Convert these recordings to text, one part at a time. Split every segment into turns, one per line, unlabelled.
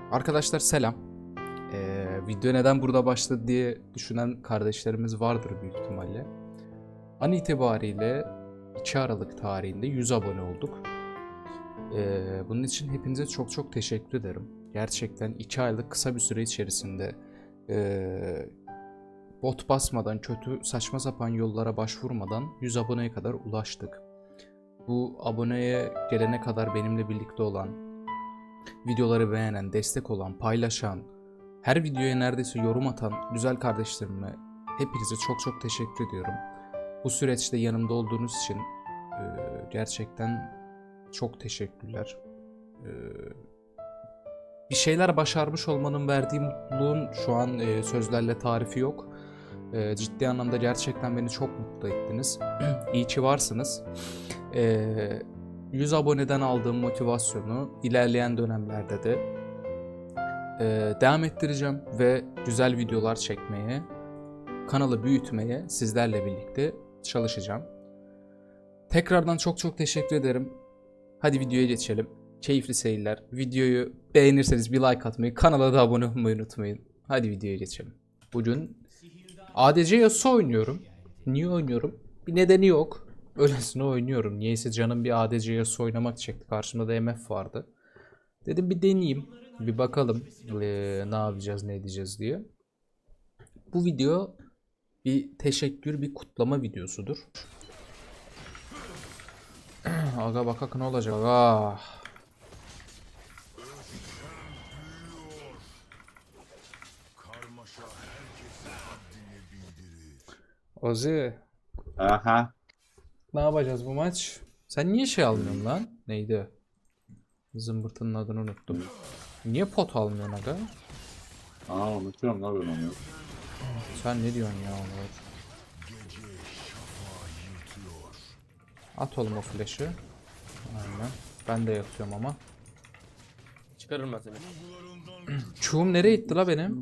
Arkadaşlar selam. Video neden burada başladı diye düşünen kardeşlerimiz vardır büyük ihtimalle. An itibariyle 2 Aralık tarihinde 100 abone olduk. Bunun için hepinize çok teşekkür ederim. Gerçekten 2 aylık kısa bir süre içerisinde bot basmadan, kötü saçma sapan yollara başvurmadan 100 aboneye kadar ulaştık. Bu aboneye gelene kadar benimle birlikte olan, videoları beğenen, destek olan, paylaşan, her videoya neredeyse yorum atan güzel kardeşlerime hepinize çok teşekkür ediyorum. Bu süreçte yanımda olduğunuz için gerçekten çok teşekkürler. Bir şeyler başarmış olmanın verdiği mutluluğun şu an sözlerle tarifi yok. Ciddi anlamda gerçekten beni çok mutlu ettiniz. İyi ki varsınız. 100 aboneden aldığım motivasyonu ilerleyen dönemlerde de devam ettireceğim ve güzel videolar çekmeye, kanalı büyütmeye sizlerle birlikte çalışacağım. Tekrardan çok teşekkür ederim. Hadi videoya geçelim. Keyifli seyirler. Videoyu beğenirseniz bir like atmayı, kanala da abone olmayı unutmayın. Hadi videoya geçelim. Bugün ADC Yasuo oynuyorum. Niye oynuyorum? Bir nedeni yok. Öylesine oynuyorum. Niyeyse canım bir ADC Yasuo oynamak çekti. Karşımda da MF vardı. Dedim bir deneyeyim. Bir bakalım ne yapacağız, ne edeceğiz diye. Bu video bir teşekkür, bir kutlama videosudur. Aga bakak ne olacak? Aga. Ozi.
Aha.
Ne yapacağız bu maç? Sen niye şey almıyorsun lan? Neydi? Zımbırtının adını unuttum. Niye pot almıyorsun aga?
Unutuyorum lan ben onu.
Sen ne diyorsun ya Onur? At oğlum o flash'ı. Aynen. Ben de yatıyorum ama.
Çıkarırım ben seni.
Çuğum nereye gitti la benim?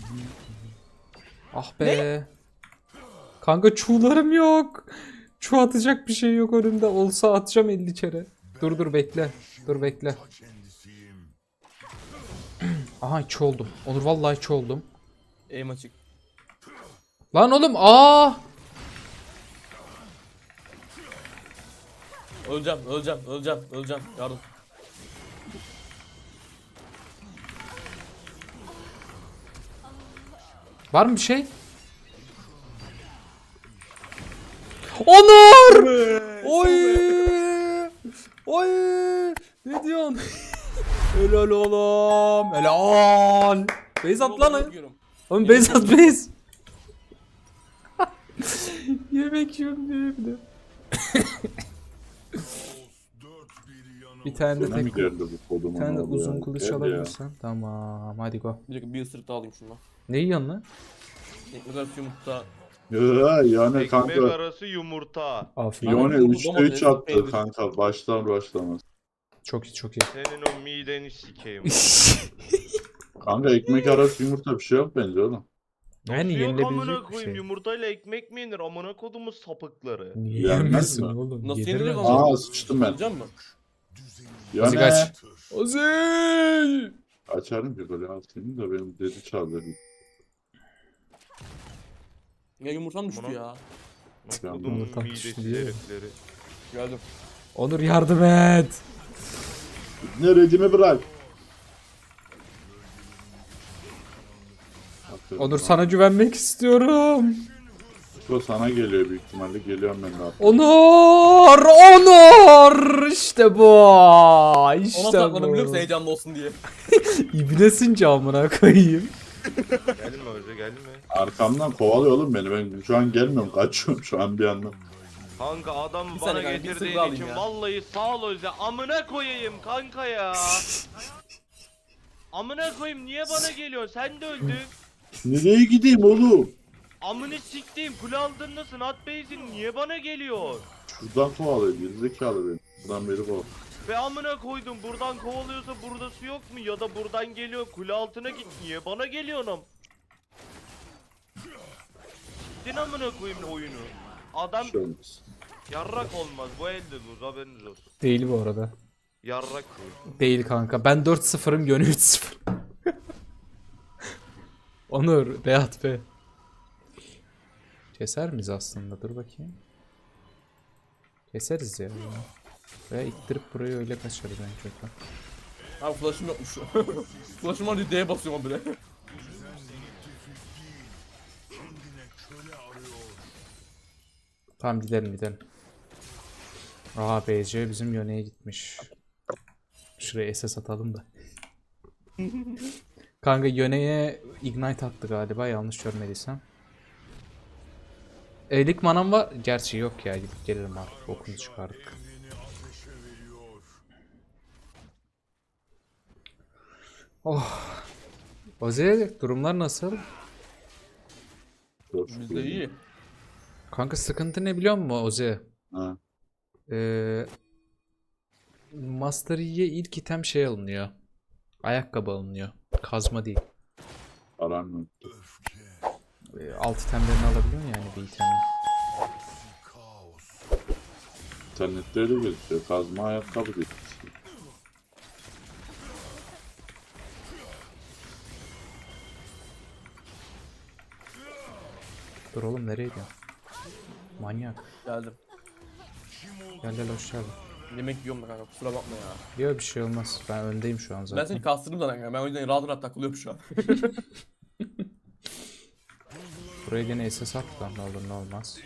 Ah be. Kanka çuğlarım yok. Çuğ atacak bir şey yok önümde. Olsa atacağım 50 kere. Dur bekle. Dur bekle. Aha içi oldum. Onur vallahi içi oldum.
Aim açık.
Lan oğlum aa!
Öleceğim. Yardım.
Var mı bir şey? Onur! Oy! Oy! Ne diyorsun? Helal oğlum. Helal. Beyz at lan. Oğlum beyz at beyz. Yemek yiyorum diye bir de. Bir tane de
Sana mı
tek,
geldi bu kodumun
bir tane de
adı
uzun
ya?
kılıç
Gel ya.
alabilirsen. Tamam hadi go.
Bir dakika bir ısırık daha alayım şundan.
Ne yiyorsun lan?
Ekmek arası yumurta.
Ya yani
Ekmek
kanka.
arası yumurta.
Afiyet.
Yok.
Yani
Domates,
3'te 3 attı
peynir.
kanka. Başlar başlamaz.
Çok iyi.
Senin o mideni sikeyim.
Kanka ekmek arası yumurta bir şey yok bence oğlum.
Yani
Yok amına
yenilebilecek bir
koyayım,
şey.
yumurtayla ekmek mi yenir? Amına kodumuz sapıkları.
Niye
Yenmez
yemesin
mi?
oğlum?
Nasıl
Yenir
yenilir
bence.
ama?
Sıçtım ben.
Öleceğim mi?
Ozi
Yani
kaç. Ozi!
açarım ki böyle atayım da benim dedi çaldı.
Ya yumurtam düştü
Bana-
ya.
Kodumun
Yumurta
midesi
düştü diye.
herifleri.
Geldim.
Onur yardım et.
Neredimi bırak. Aferin
Onur
lan.
sana güvenmek istiyorum.
O sana geliyor büyük ihtimalle. Geliyorum ben de artık.
Onur işte bu.
Ona
İşte
sakladım biliyor musun
bu.
heyecanlı olsun diye.
İbnesin camına koyayım.
Gelme Özge gelme.
Arkamdan kovalıyor oğlum beni. Ben şu an gelmiyorum. Kaçıyorum şu an bir yandan.
Kanka adam
Bir
bana
saniye kanka, bir
getirdiğin
ısırık alayım
için
ya.
vallahi sağ ol Özge. Amına koyayım kanka ya. Amına koyayım niye bana geliyorsun? Sen de öldün.
Nereye gideyim oğlum?
Amını siktiğim kule aldığındasın at beyzin niye bana geliyor?
Şuradan kovalıyor. Gerizekalı beni. Buradan beri kovalıyor.
Ve amına koydum buradan kovalıyorsa burada su yok mu ya da buradan geliyor kule altına git niye bana geliyorsun? Gittin amına koyayım oyunu. Adam
Bir şey olmaz.
yarrak olmaz bu elde dur haberiniz olsun.
Değil bu arada.
Yarrak bu.
Değil kanka. Ben 4-0'ım Yönü 3-0. Onur, Beat be. Keser miyiz aslında? Dur bakayım. Keseriz ya. Veya ittirip burayı öyle kaçarız en kötü.
Abi flash'ım yokmuş. Flash'ım var diye D'ye basıyorum bile.
Tamam gidelim gidelim. Aa BC bizim yöneye gitmiş. Şuraya SS atalım da. Kanka yöneye ignite attı galiba yanlış görmediysem. Elik manam var. Gerçi yok ya gidip gelirim artık. Okunu çıkardık. Oh. Oze durumlar nasıl?
Çok
Bizde
şükür.
iyi.
Kanka sıkıntı ne biliyor musun Oze?
Ha.
Master Yi'ye ilk item şey alınıyor. Ayakkabı alınıyor. Kazma değil.
Aram yok.
Alt itemlerini alabiliyorsun yani bir itemin.
İnternette öyle gözüküyor. Kazma ayakkabı değil.
Dur oğlum nereye gidiyorsun? Manyak.
Geldim.
Gel gel hoş geldin.
Yemek yiyorum da kanka kusura bakma ya.
Yok bir şey olmaz. Ben öndeyim şu an
Ben
zaten.
seni kastırdım zaten kanka. Ben o yüzden rahat rahat takılıyorum şu an.
Buraya gene SS at lan ne olur ne olmaz.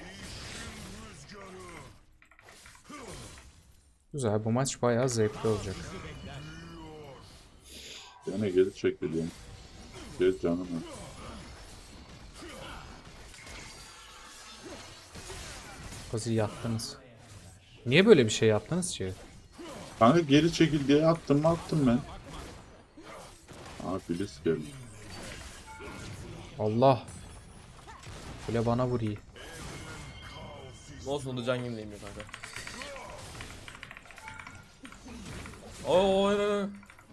Güzel bu maç bayağı zevkli olacak.
Yine geri çekiliyorum. Gel canım ya.
Kozi yattınız. Niye böyle bir şey yaptınız ki?
Kanka geri çekil diye attım ben. Aa Filiz geldi.
Allah. Böyle bana vuruyor.
Ne olsun da can yenileyim ya kanka. Oo.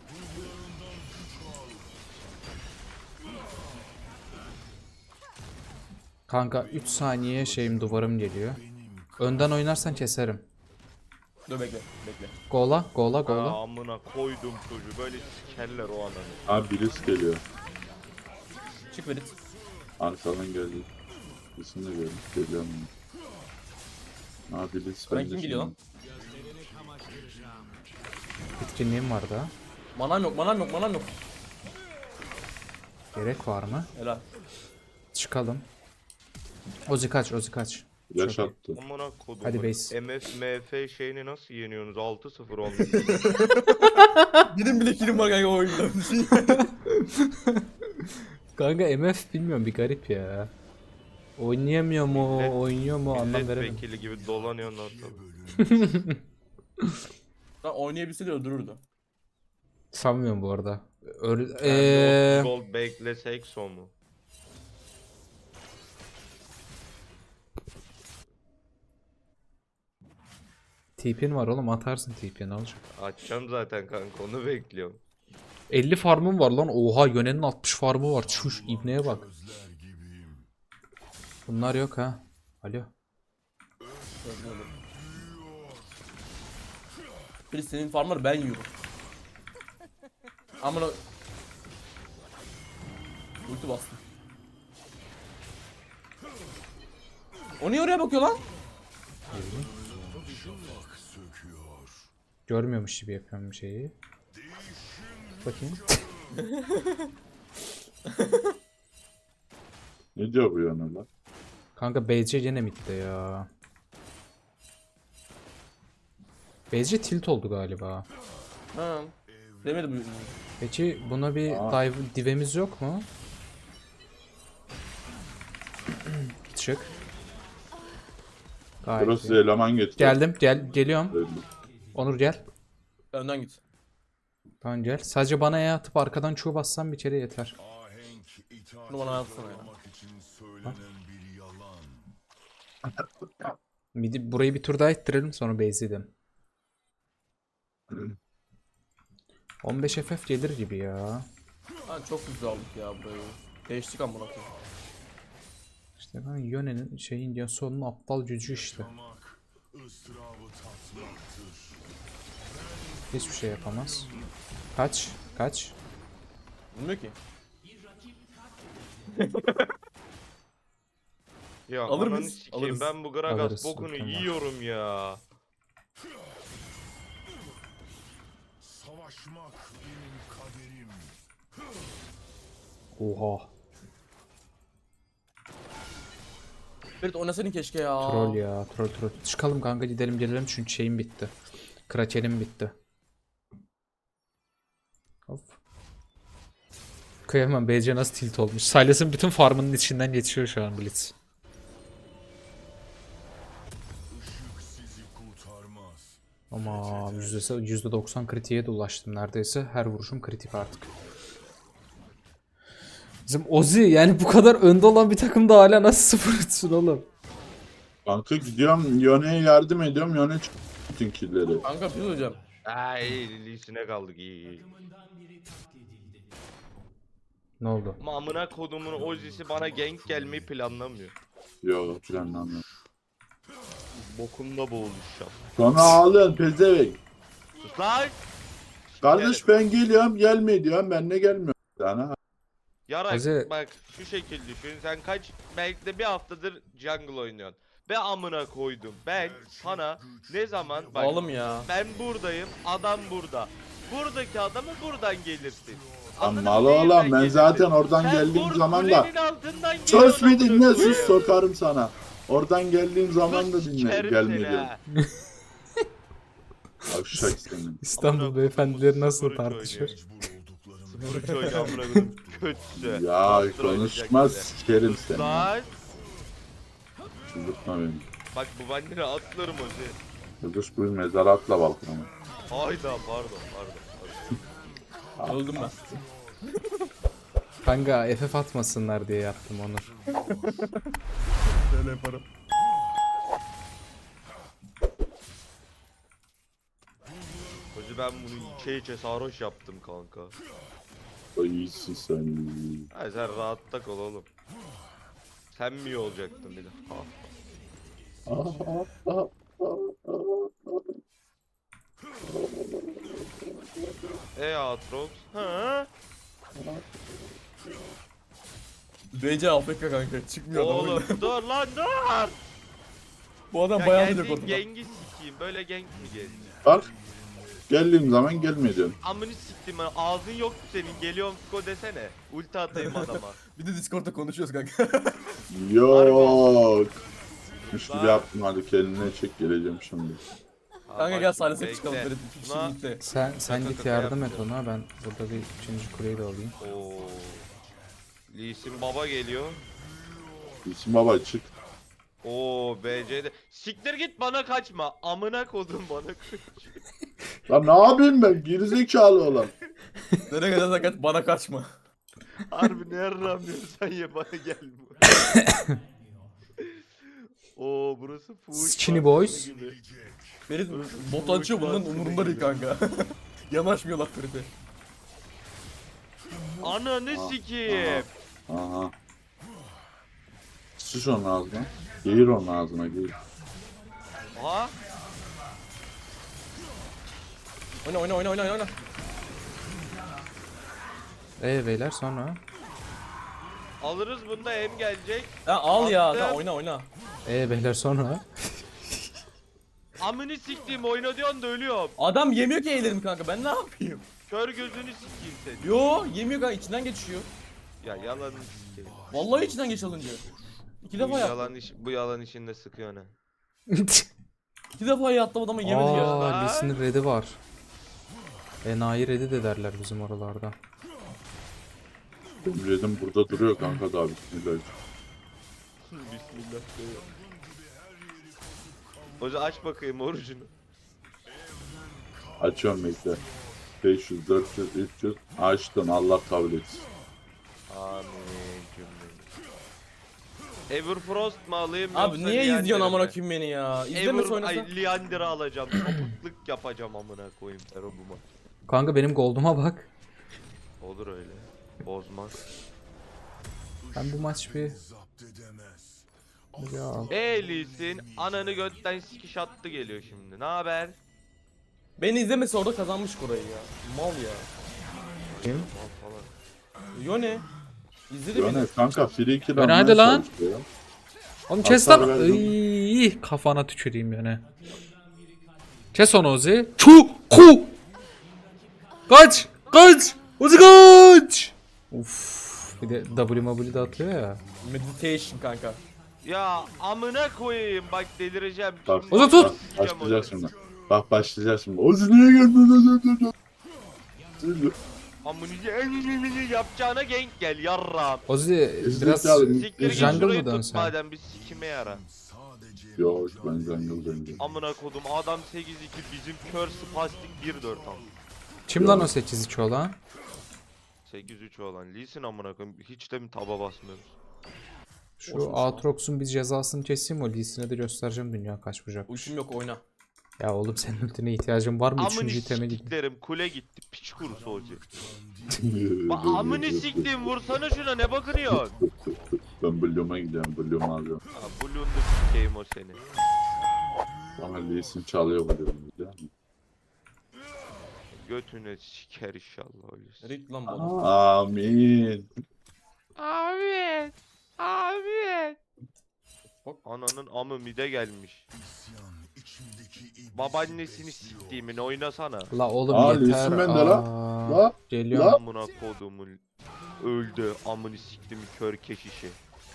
Kanka 3 saniye şeyim duvarım geliyor. Önden oynarsan keserim.
Dur bekle bekle.
Gola gola gola.
Aa, amına koydum çocuğu böyle sikerler o ananı.
Aa Filiz geliyor.
Çık Verit.
Arkadan geldi. İsmini de gördüm. Geliyorum. Aa Filiz
Ben
ben de
kim geliyor lan?
Bitkinliğim var da.
Manam yok manam yok.
Gerek var mı?
Helal.
Çıkalım. Ozi kaç Ozi kaç.
Yaş
Çok iyi.
attı.
Amına kodum.
Hadi base.
MF şeyini nasıl yeniyorsunuz? 6-0 olmuş.
Benim bile kilim var kanka o oyunda.
Kanka MF bilmiyorum bir garip ya. Oynayamıyor mu,
Millet-
oynuyor mu anlam veremedim.
Milletvekili gibi dolanıyorsun ortada.
Lan oynayabilseydi öldürürdü.
Sanmıyorum bu arada.
Gold beklesek son mu?
TP'in var oğlum atarsın TP'ni ne olacak?
Açacağım zaten kanka onu bekliyorum.
50 farmım var lan. Oha Yönen'in 60 farmı var. Çuş ibneye bak. Bunlar yok ha. Alo.
Bir senin farmları ben yiyorum. Amına ulti bastım. O niye oraya bakıyor lan?
Görmüyormuş gibi yapıyorum bir şeyi. Bakayım.
Ne diyor bu yana lan?
Kanka BC yine midde ya. BC tilt oldu galiba.
Ha. Demedim bu.
Peki buna bir divemiz yok mu? Çık. Gayet
Burası
iyi.
eleman getiriyor.
Geldim geliyorum.
Öldü.
Onur gel.
Önden git.
Tamam gel. Sadece bana E atıp arkadan Q bassan bir kere yeter.
Bunu bana atsana ya.
Burayı bir tur daha ittirelim sonra base edelim. 15 FF gelir gibi ya.
Ha, çok güzel aldık ya burayı. Değiştik amına koyayım.
İşte ben Yönen'in şeyin ya sonun aptal gücü işte. Hiçbir şey yapamaz. Kaç.
Bilmiyor ki.
Ya
Alır
ananı
mıyız?
sikeyim,
Alırız.
ben bu Gragas
Alırız,
bokunu
mükemmel.
yiyorum ya.
Savaşmak benim kaderim.
Oha.
Ferit oynasaydın keşke ya.
Troll ya. Troll. Çıkalım kanka, gidelim gelelim çünkü şeyim bitti. Krakenim bitti. Hop. Kıyamam, BC nasıl tilt olmuş. Silas'ın bütün farmının içinden geçiyor şu an Blitz.
Işık sizi kurtarmaz.
Ama %90 kritiğe de ulaştım neredeyse. Her vuruşum kritik artık. Bizim Ozi yani bu kadar önde olan bir takımda hala nasıl sıfır etsin oğlum?
Kanka gidiyorum Yone'ye yardım ediyorum. Yone çıkıyor bütün killleri.
Kanka bir şey söyleyeceğim.
Ay Lee'sine kaldık iyi.
Ne oldu?
Ama amına kodumun Ozzy'si bana gank gelmeyi planlamıyor.
Yok planlamıyorum.
Bokumda boğuluşacağım.
Sonra ağlıyorsun pezevenk.
Sus lan!
Kardeş ben geliyorum gelme diyorum, ben de gelmiyorum. Sana
Yarak
Ozi-
bak şu şekil düşün, sen kaç belki de bir haftadır jungle oynuyorsun. Be amına koydum, ben sana ne zaman bak
Oğlum ya.
ben buradayım, adam burada. Buradaki adamı buradan gelirsin.
Lan
Anladın
mal
mı? Neyinden
oğlum, ben
gelirsin?
zaten oradan
Sen
geldiğim zaman da
kulenin altından
söz
geliyorsun
mü dinle,
amına
sus
koyayım.
sokarım sana. Oradan geldiğim zaman da
Sus,
dinle,
sikerim
gelme
seni
diyorum.
ha.
Avşak senin.
İstanbul beyefendileri nasıl
Sıfır
tartışıyor?
Mecbur olduklarım.
Sıfır çocuğu amına koydum, kötüsü.
Ya
Bastır
konuşma
oynayacak
sikerim
bize.
seni.
Lan
Çıldırtma beni.
bak bu bandire atlarım Ozi.
Kudüs bu mezara atla balkona.
Hayda pardon.
Öldüm ben.
Kanka FF atmasınlar diye yaptım Onur.
Böyle yaparım.
Ozi ben bunu içe sarhoş yaptım kanka.
Ay iyisin sen.
Ha sen rahatta kal oğlum. Sen mi iyi olacaktın bir de? Ha. Aatrox. Ha?
BC Afrika kanka. Çıkmıyor adam.
Oğlum dur lan dur.
Bu adam
Ya
bayağı
geldiğin
direkt ortada.
gengi sikeyim. Böyle genk mi geldi?
Bak. Geldiğim zaman gelme diyorum.
Amını siktim ben. Ağzın yok senin. Geliyorum Fiko desene. Ulti atayım adama.
Bir de Discord'da konuşuyoruz kanka.
Yok. Üç gibi yaptım, hadi kendine çek, geleceğim şimdi.
Kanka gel Silas'e çıkalım
Bekle.
Ferit. İki kişi
Buna-
birlikte.
Sen git
kaka
yardım et
yapmıyorum.
ona, ben burada bir 3. kuleyi de alayım.
Oo. Lee Sin baba geliyor.
İsim baba çık.
Oo BC'de. Siktir git bana kaçma. Amına kodum bana kaç.
Lan ne yapayım ben, gerizekalı olan.
Nereye kadar kaç bana kaçma.
Harbi ne yaramıyorsan ye bana gelme. Oo burası fuhuş.
Skinny
parkı
boys.
gibi.
Ferit bot açıyor bunların umurunda değil kanka. Yanaşmıyorlar Ferit'e.
Ananı sikeyim.
Aha. Sıç onun ağzına. Geğir onun ağzına, geğir.
Ha?
Oyna.
Beyler sonra.
Alırız bunda hem gelecek.
Ya al ya.
Attım.
Tamam, oyna.
Beyler sonra.
Amını siktiğim oyna diyorsun da ölüyorum.
Adam yemiyor ki eğlerim kanka. Ben ne yapayım?
Kör gözünü sikeyim seni.
Yo yemiyor kanka. İçinden geçiyor.
Ya yalanını sikeyim.
Vallahi içinden geç alınca. İki defa yaptı.
Bu yalan işinde sıkıyor ne?
İki defa yattı adamı yemedi ya.
Aaa Lee'sinin red'i var. Enayi red'i de derler bizim oralarda.
Dedim burada duruyor kanka, daha bismillah.
Bismillah. Hoca aç bakayım orucunu.
Açıyorum bekle. 500, 400, 300. Açtın, Allah kabul etsin.
Amin cümle. Everfrost mu alayım
Abi
yoksa
niye
Leander'i
izliyorsun amına
mi?
koyayım beni ya? İzlemesi oynasa.
Ay Leander'ı alacağım. Sapıklık yapacağım amına koyayım Ferobuma.
Kanka benim gold'uma bak.
Olur öyle. Bozmaz.
Ben bu maç bir...
Zapt edemez.
Ya.
Elisin ananı götten sikiş attı geliyor şimdi. Ne haber?
Beni izlemesi orada kazanmış Koray'ı ya. Mal ya.
Kim?
Mal falan.
Yo ne? İzledin mi?
Yani kanka free kill
Öne
almaya
hadi lan.
çalışıyor.
Oğlum kes
Hasar
lan.
verdim.
Iy, kafana tüküreyim yani. Kes onu Ozi. Çu ku. Kaç. Kaç. Ozi kaç. Uf. Bir de W de atıyor ya.
Meditation kanka.
Ya amına koyayım bak delireceğim.
Bak,
Şimdi
Ozan tut.
bak,
sikeceğim
başlayacak
onu.
şimdi. Bak başlayacak şimdi. Ozi niye geldin?
Amını yapacağına gank gel yarram.
Ozi biraz
Zekalı.
Siktir git
jungle
şurayı
mı dön
tut
sen?
madem bir sikime yara.
Sadece
Yok ben jungle.
Amına kodum adam 8-2 bizim kör spastik 1-4 am.
Kim lan o 8-2 olan?
8-3 olan Lee Sin amına koyayım hiç de mi taba basmıyoruz?
Şu Aatrox'un bir cezasını keseyim o Lee Sin'e de göstereceğim dünya kaç bucak.
Ultim yok oyna.
Ya oğlum senin ultine ihtiyacın var mı?
Amını
Üçüncü iteme gidiyor.
siktiklerim kule gitti piç kurusu hoca. Amını siktim vursana şuna ne bakıyorsun?
Ben Bloom'a gidiyorum. Bloom'u alıyorum.
Ha Bloom'da sikeyim o seni.
Bana Lee'sin çalıyor Bloom'u biliyor musun?
Götüne siker inşallah öyleyse.
Rit lan bana.
Amin.
Abi. Abi. Ananın amı mide gelmiş.
isyan içimdeki iblis
Babaannesini siktiğimin oynasana.
La oğlum
Aa,
yeter.
Lee'sin bende la.
Aa,
La.
Geliyorum.
La.
Amına kodumun öldü amını siktim kör keşişi.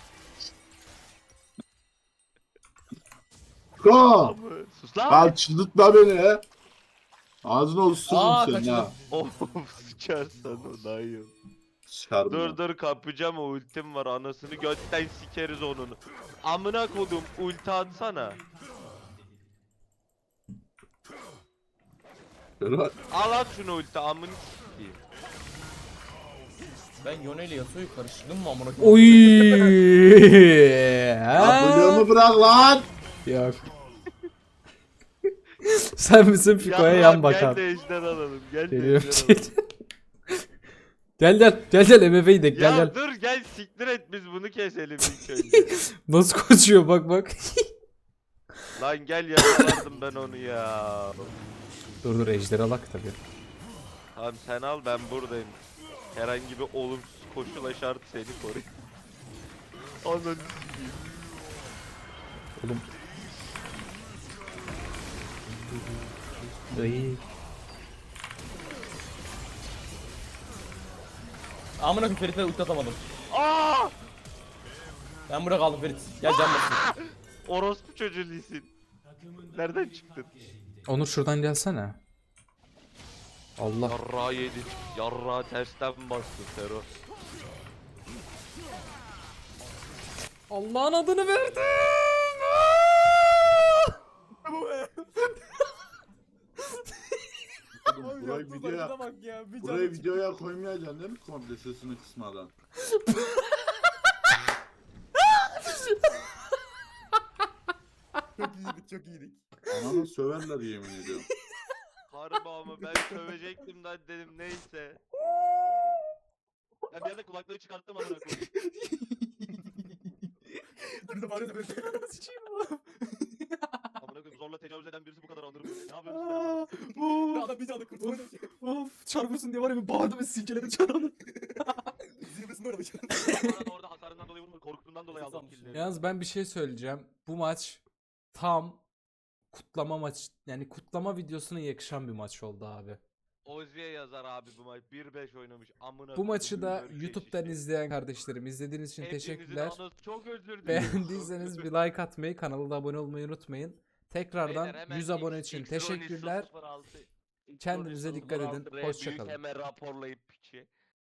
Ko.
Amı sus lan.
Lan çıldırtma beni. Ağzına
Aa,
osururum seni
kaçırdım.
ha.
Of sıçarsan o dayı.
Çıkarma.
Dur kapacağım o ultim var anasını götten sikeriz onun. Amına kodum ulti atsana. Al at şunu ulti amını sikeyim.
Ben Yone ile Yasuo'yu karıştırdım mı amına koyayım?
Oy.
Ya Bloom'u bırak lan.
Yok. Sen bizim Fiko'ya yan bakan.
Gel de ejder alalım gel de
Geliyorum.
ejder alalım.
Gel MF'yi de
Ya
gel.
dur gel siktir et biz bunu keselim ilk önce.
Nasıl koşuyor bak.
Lan gel yakaladım ben onu ya.
Dur ejderi alak tabii.
Tamam sen al ben buradayım. Herhangi bir olumsuz koşula şart seni koruyayım. Ananı sikeyim.
Oğlum. Ay.
Amına koyayım Ferit'e ulti atamadım.
Aa!
Ben burada kaldım Ferit. Gel can basın.
Orospu çocuğu değilsin. Nereden çıktın?
Onur şuradan gelsene. Allah.
Yarrağı yedin. Yarrağı tersten bastın Fero.
Allah'ın adını verdim.
Burayı videoya, burayı videoya koymayacaksın değil mi komple sesini kısmadan?
Çok iyiydik.
Ananı söverler yemin ediyorum.
Harbi ama ben sövecektim de dedim neyse. Ben bir anda kulaklığı çıkarttım amına koyayım.
Dur da bari de böyle
Amına koyayım zorla tecavüz eden birisi bu kadar alır mı? Ne yapıyorsun sen?
Adam bir canlı kurtulmadı.
Of çarpıyorsun diye var ya bir bağırdım ve silkeledim çarpını.
Zirvesinde orada.
Orada hasarından dolayı vurmadı, korktuğundan dolayı aldım killleri.
Yalnız ben bir şey söyleyeceğim. Bu maç tam kutlama maç yani kutlama videosuna yakışan bir maç oldu abi.
Ozi'ye yazar abi bu maç 1-5 oynamış amına.
Bu maçı da
koyduğum
YouTube'dan
erkek
izleyen kardeşlerim izlediğiniz için
Hepinizin
teşekkürler.
anası çok özür dilerim.
Beğendiyseniz bir like atmayı, kanala da abone olmayı unutmayın. Tekrardan
Beyler, hemen
100 abone için
X-Ronnie
teşekkürler.
006,
Kendinize
X-Ronnie
dikkat edin.
006 R
Hoşça
büyük
kalın.
hemen raporlayıp piçi.